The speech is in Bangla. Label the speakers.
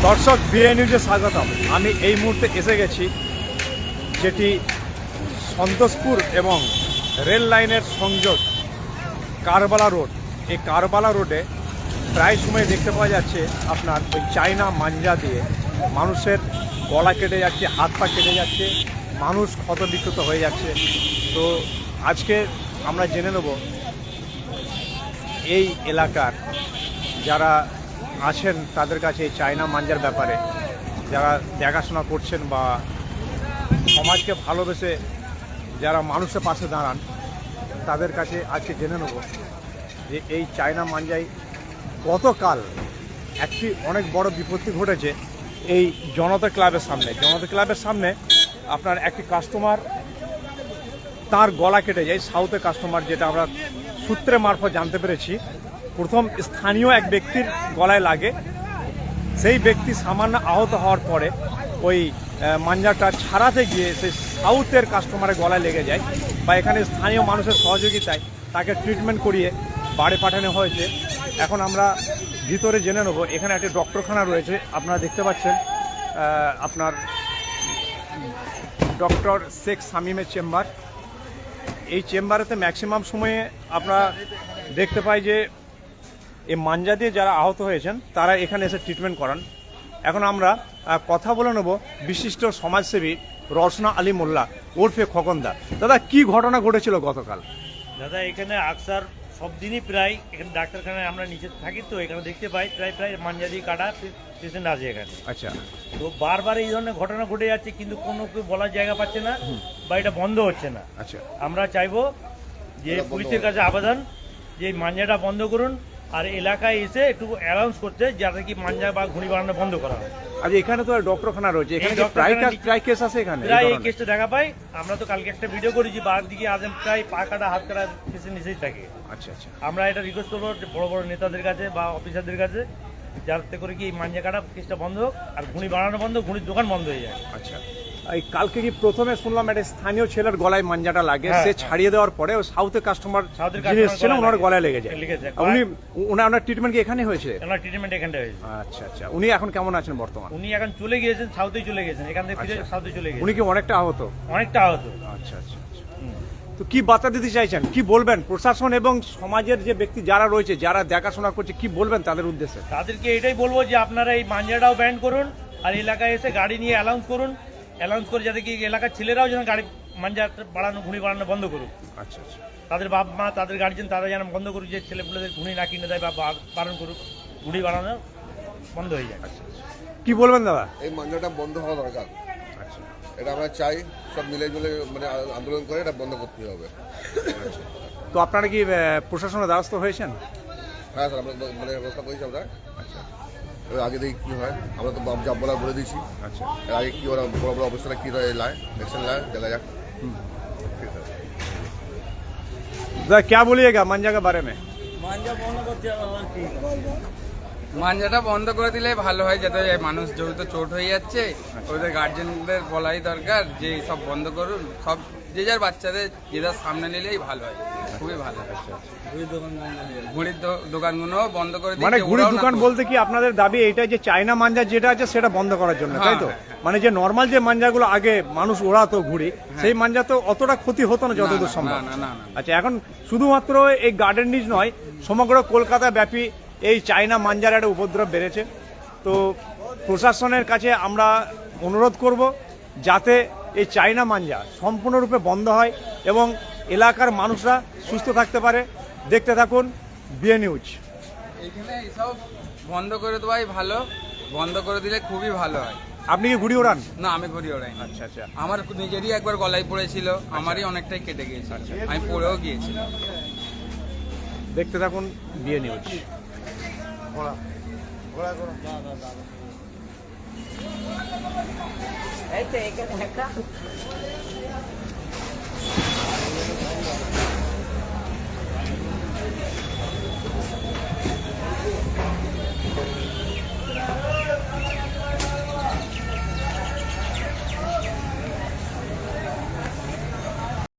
Speaker 1: দর্শক বিএ নিউজে স্বাগতম। আমি এই মুহূর্তে এসে গেছি যেটি সন্তোষপুর এবং রেল লাইনের সংযোগ কারবালা রোড। এই কারবালা রোডে প্রায় সময় দেখতে পাওয়া যাচ্ছে আপনার ওই চায়না মাঞ্জা দিয়ে মানুষের গলা কেটে যাচ্ছে, হাত পা কেটে যাচ্ছে, মানুষ ক্ষত বিক্ষত হয়ে যাচ্ছে। তো আজকে আমরা জেনে নেব এই এলাকার যারা আছেন তাদের কাছে এই চায়না মাঞ্জার ব্যাপারে, যারা দেখাশোনা করছেন বা সমাজকে ভালোবেসে যারা মানুষের পাশে দাঁড়ান তাদের কাছে আজকে জেনে নেব যে এই চায়না মাঞ্জায় গতকাল একটি অনেক বড় বিপত্তি ঘটেছে এই জনতা ক্লাবের সামনে। জনতা ক্লাবের সামনে আপনার একটি কাস্টমার তার গলা কেটে যায়, সাউথের কাস্টমার, যেটা আমরা সূত্রে মারফত জানতে পেরেছি। প্রথম স্থানীয় এক ব্যক্তির গলায় লাগে, সেই ব্যক্তি সামান্য আহত হওয়ার পরে ওই মাঞ্জাটা ছাড়াতে গিয়ে সেই সাউথের কাস্টমারের গলায় লেগে যায়, বা এখানে স্থানীয় মানুষের সহযোগিতায় তাকে ট্রিটমেন্ট করিয়ে বাড়ি পাঠানো হয়েছে। এখন আমরা ভিতরে জেনে নেব। এখানে একটি ডক্টরখানা রয়েছে, আপনারা দেখতে পাচ্ছেন আপনার ডক্টর শেখ শামীমের চেম্বার। এই চেম্বারেতে ম্যাক্সিমাম সময়ে আমরা দেখতে পাই যে এই মাঞ্জা দিয়ে যারা আহত হয়েছেন তারা এখানে এসে ট্রিটমেন্ট করান। এখন আমরা কথা বলে নেব বিশিষ্ট সমাজসেবী রওশনা আলী মোল্লা ওরফে খোকনদা। দাদা, কি ঘটনা ঘটেছিল গতকাল?
Speaker 2: দাদা, এখানে আকসার সব দিনই প্রায় এখানে ডাক্তারখানায় আমরা নিচে থাকি, তো এখানে দেখতে পাই প্রায় মাঞ্জা দিয়ে কাটা পেশেন্ট আছে এখানে।
Speaker 1: আচ্ছা, তো
Speaker 2: বারবার এই ধরনের ঘটনা ঘটে যাচ্ছে, কিন্তু কোনো কেউ বলার জায়গা পাচ্ছে না বা এটা বন্ধ হচ্ছে না।
Speaker 1: আচ্ছা,
Speaker 2: আমরা চাইবো যে পুলিশের কাছে আবেদন যে মাঞ্জাটা বন্ধ করুন, আর এলাকায় এসে একটু অ্যানাউন্স করতে যাতে কি মাঞ্জা বা ঘুড়ি বানানো বন্ধ করা হয়।
Speaker 1: আচ্ছা, এখানে তো ডক্টরখানা রয়েছে, এখানে প্রায় কেস আছে এখানে?
Speaker 2: প্রায় এই কেসটা দেখা পাই। আমরা তো কালকে একটা ভিডিও করেছি, বার দিকে আজ প্রায় পা কাটা হাত কাটা পেশেন্ট নিচেই থাকে।
Speaker 1: আচ্ছা আচ্ছা,
Speaker 2: আমরা এটা রিকোয়েস্ট করবো বড় বড় নেতাদের কাছে বা অফিসারদের কাছে, যাতে করে কি এই মাঞ্জা কাটা কেসটা বন্ধ হোক আর ঘুড়ি বানানো বন্ধ, ঘুড়ির দোকান বন্ধ হয়ে যায়।
Speaker 1: আচ্ছা, এই কালকে কি প্রথমে শুনলাম একটা স্থানীয় ছেলের গলায় মাঞ্জাটা লাগে, সে ছাড়িয়ে দেওয়ার পরে সাউথের কাস্টমার যিনি এসেছিলেন ওনার গলায় লেগে যায়। উনি ওনার ট্রিটমেন্ট কি এখানে হয়েছে?
Speaker 2: ওনার ট্রিটমেন্ট এখানটা হয়েছে।
Speaker 1: আচ্ছা আচ্ছা, উনি এখন কেমন আছেন বর্তমান?
Speaker 2: উনি এখন চলে গিয়েছেন, সাউথে চলে গেছেন, এখান থেকে ফিরে সাউথে চলে গেছেন।
Speaker 1: উনি কি অনেকটা আহত?
Speaker 2: অনেকটা আহত।
Speaker 1: আচ্ছা আচ্ছা, তো কি বার্তা দিতে চাইছেন, কি বলবেন প্রশাসন এবং সমাজের যে ব্যক্তি যারা রয়েছে, যারা দেখাশোনা করছে, কি বলবেন তাদের উদ্দেশ্যে?
Speaker 2: তাদেরকে এটাই বলবো যে আপনারা এই মাঞ্জাটাও ব্যান করুন, আর এলাকায় এসে গাড়ি নিয়ে অ্যানাউন্স করুন, অ্যানাউন্স করে যাতে কি এলাকার ছেলেরাও যেন গাড়ি মাঞ্জা বাড়ানো, ঘুড়ি বাড়ানো বন্ধ করুক।
Speaker 1: আচ্ছা আচ্ছা,
Speaker 2: তাদের বাপ মা, তাদের গার্জেন, তারা যেন বন্ধ করুক, যে ছেলেপুলেদের ঘুড়ি না কিনে দেয় বা বারণ করুক, ঘুড়ি বানানো বন্ধ হয়ে যায়।
Speaker 1: আচ্ছা, কি বলবেন দাদা?
Speaker 3: এই মাঞ্জাটা বন্ধ হওয়া দরকার।
Speaker 1: আচ্ছা,
Speaker 3: এটা আমরা চাই সব মিলে জুলে মানে আন্দোলন করে এটা বন্ধ করতে হবে।
Speaker 1: তো আপনারা কি প্রশাসনের দ্বারস্থ হয়েছেন?
Speaker 3: হ্যাঁ স্যার, আমরা মানে ব্যবস্থা করেছি আমরা।
Speaker 1: আচ্ছা
Speaker 3: এবার আগে দেখি কী হয়, আমরা তো জব বলা বলে দিয়েছি।
Speaker 1: আচ্ছা,
Speaker 3: এর আগে কী ওরা বড় বড় অবস্থাটা কী লায় অ্যাকশন লায় দেখা যাক। ঠিক আছে
Speaker 1: दादा, क्या बोलिएगा मांझा के बारे में?
Speaker 4: মাঞ্জাটা বন্ধ করে দিলে ভালো হয়, যাতে মানুষ যেহেতু চোট হয়ে যাচ্ছে, ওদের গার্জেনদের বলাই দরকার যে সব বন্ধ করুন, সব যে যার বাচ্চাদের যে যার সামনে নিলেই ভালো হয়, খুবই ভালো হয়। ঘুড়ির দোকানগুলো বন্ধ করে দিচ্ছে।
Speaker 1: মানে ঘুড়ির দোকান বলতে কি আপনাদের দাবি এইটা যে চায়না মাঞ্জা যেটা আছে সেটা বন্ধ করার জন্য, তাই তো? মানে যে নর্মাল যে মাঞ্জাগুলো আগে মানুষ ওড়াতো ঘুড়ি, সেই মাঞ্জা তো অতটা ক্ষতি হতো না যতদূর সম্ভব।
Speaker 4: না।
Speaker 1: আচ্ছা, এখন শুধুমাত্র এই গার্ডেন নিজ নয়, সমগ্র কলকাতা ব্যাপী এই চায়না মাঞ্জার একটা উপদ্রব বেড়েছে। তো প্রশাসনের কাছে আমরা অনুরোধ করব যাতে এই চায়না মাঞ্জা সম্পূর্ণরূপে বন্ধ হয় এবং এলাকার মানুষরা সুস্থ থাকতে পারে। দেখতে থাকুন বিএ নিউজ।
Speaker 4: এখানে এইসব বন্ধ করে দেওয়াই ভালো, বন্ধ করে দিলে খুবই ভালো হয়।
Speaker 1: আপনি কি ঘুড়ি ওড়ান?
Speaker 4: না, আমি ঘুড়ি ওড়াই।
Speaker 1: আচ্ছা আচ্ছা,
Speaker 4: আমার নিজেরই একবার গলায় পড়েছিল, আমারই অনেকটাই কেটে গিয়েছিল, আমি পড়েও গিয়েছিলাম।
Speaker 1: দেখতে থাকুন বিএ নিউজ।
Speaker 5: এই তো এখানে একটা